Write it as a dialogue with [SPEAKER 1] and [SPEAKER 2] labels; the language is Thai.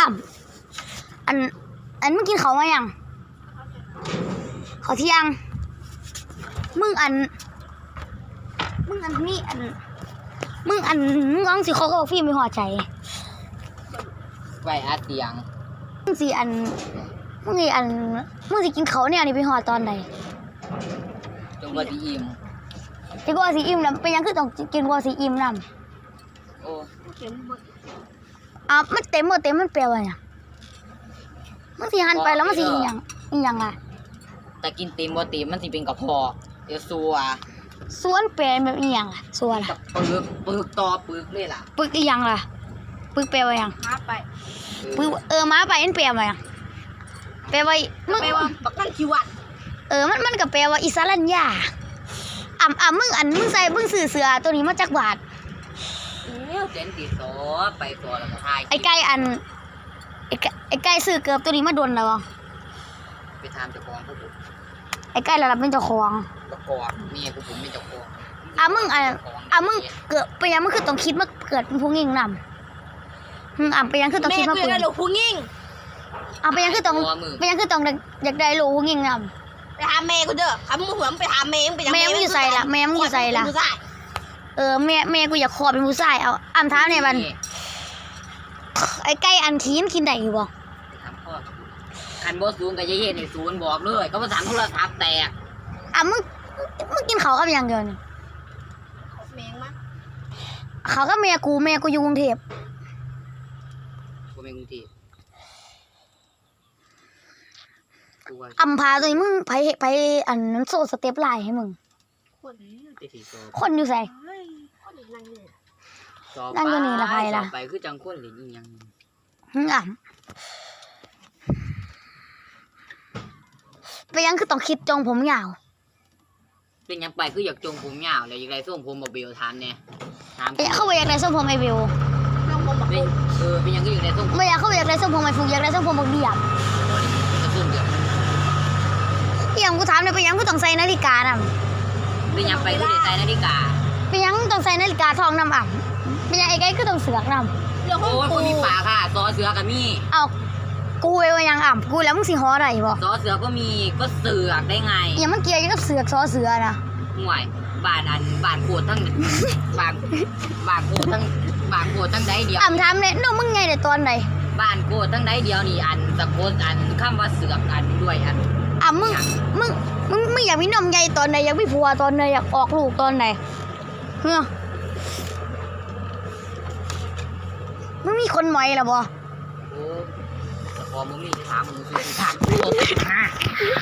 [SPEAKER 1] อันมึงกินเขามายังเขาเที่ยงมึงนี่มึงร้องสิเขาก็ฟิล์มไม่หัวใจ
[SPEAKER 2] ไว้อาเตียง
[SPEAKER 1] มึงสิกินเขาเนี่ยนี่ไปหอดตอนไหน
[SPEAKER 2] จงว่าสิอิ่ม
[SPEAKER 1] ที่ว่าสิอิ่มแล้วเป็นยังคือต้องกินว่าสิอิ่มนำ
[SPEAKER 2] โอ้
[SPEAKER 1] มันเต็มหมดเต็มมันเปรี้ยวอ่ะมันสิหันไปแล้วมันสิอีหยังอ่ะ
[SPEAKER 2] แต่กินเต็มบ่เต็มมันสิเป็นกระเพาะเดี๋ยวซัว
[SPEAKER 1] ส่วนแปลแบบอีหยังอ่ะส่วนล่ะ
[SPEAKER 2] ปึกต่อปึกเลยล่ะ
[SPEAKER 1] ปึกอีหยังล่ะปึกแปลว่าหยัง
[SPEAKER 3] มาไป
[SPEAKER 1] ปึกมาไปมันแปลว่าหยังแปลว่ามึง
[SPEAKER 3] บักนั่นชีวัด
[SPEAKER 1] มันก็แปลว่าอิสรัญญามึงใส่มึงซื้อเสื้อตัวนี้มาจากบาท
[SPEAKER 2] เจนติโซไปตัวแล้วก็ทาย
[SPEAKER 1] ไอ้ไก่ซื้อเกือบตัวนี้มาโดนแล้ว
[SPEAKER 2] ไปทำเจ้าของพวกผม
[SPEAKER 1] ไอ้ไก่ระดับเป็นเจ้าของ
[SPEAKER 2] ประกอบเมียผมเป็นเจ้าของ
[SPEAKER 1] มึงเกิดไปยังมึงคือต้องคิดมาเกิดเป็นผู้หญิงนำไปยังคือต้องคิดมา
[SPEAKER 3] เกิดเป็นผู้หญิง
[SPEAKER 1] ไปยังคือต้องอยากได้ลูกผู้หญิงน
[SPEAKER 3] ำไปหาแม่กูเด้อคำมึงหัวไปหาแม่ไปยัง
[SPEAKER 1] แม่มึงอยู่ใส่ละแม่มึงอยู่ใส่ละแม่กูอยากขอเป็นผู้ชายเอาเท้าเนี่ยมันไอ้ไก่กินได้อยู่บ่
[SPEAKER 2] คันบ่สูงกับยายเฮ็ดนี่ศูนย์บอกเลยก็ภาษาโทรศัพท์แตก
[SPEAKER 1] มึงกินเขากับอย่างเดียวนี่
[SPEAKER 3] แมงมั้ย
[SPEAKER 1] เขากับแม่กูอยู่กรุงเทพ
[SPEAKER 2] กูเป็นกรุงเทพ
[SPEAKER 1] พาตัวนี้มึงไปนั้นโซ่สเต็ปไลน์ให้มึงคนอยู่ใส่นั่งอยู่นี่ละใครล่ะ
[SPEAKER 2] ไปคือจังคนหรือยัง
[SPEAKER 1] ไปยังคือต้องคิดจงผมยาว
[SPEAKER 2] เป็นยังไปคืออยากจงผมยาวเลยอยากได้ส่งผมบ่เบลถามเนี่ย
[SPEAKER 1] เขาไปอยากได้ส่งผมไอเบล
[SPEAKER 2] เป็นยังก็อยากได้ส่ง
[SPEAKER 1] ไม่อยากเขาอยากได้ส่งผมไอฟูอยากได้ส่งผมบักเดียบยังกูถามเลยไปยังกูต้องใส่นาฬิกาน่ะ
[SPEAKER 2] เป็นยังไปคือใส่นาฬิกา
[SPEAKER 1] เป็นยังต้องใส่นาฬิกาทองนำเป็นยังไอ้ไก่คือต้องเสือกนำ
[SPEAKER 2] โอ้ยคนมีปากค่ะซอเสือกับมี
[SPEAKER 1] เอากูเอวยังกูแล้วมึงสิฮออะไรบ่
[SPEAKER 2] ซอเสือก็มีก็เสือกได้ไง
[SPEAKER 1] ยังมันเกี่ยวกับเสือกซอเสือนะ
[SPEAKER 2] ห่วยบานโคตรทั้งบานโคตรทั้งใดเดียว
[SPEAKER 1] ถามเนี่ยน้องมึงไงแต่ตอนไหน
[SPEAKER 2] บ้านโคตรทั้งใดเดียวนี่สะกดคำว่าเสือกด้วย
[SPEAKER 1] มึงอยากมีนมใหญ่ตอนไหนอยากมีผัวตอนไหนอยากออกลูกตอนไหนมึงมีคนใหม่หรอบ่
[SPEAKER 2] โอ้พอมึงมีถามมึงซื้อถามกู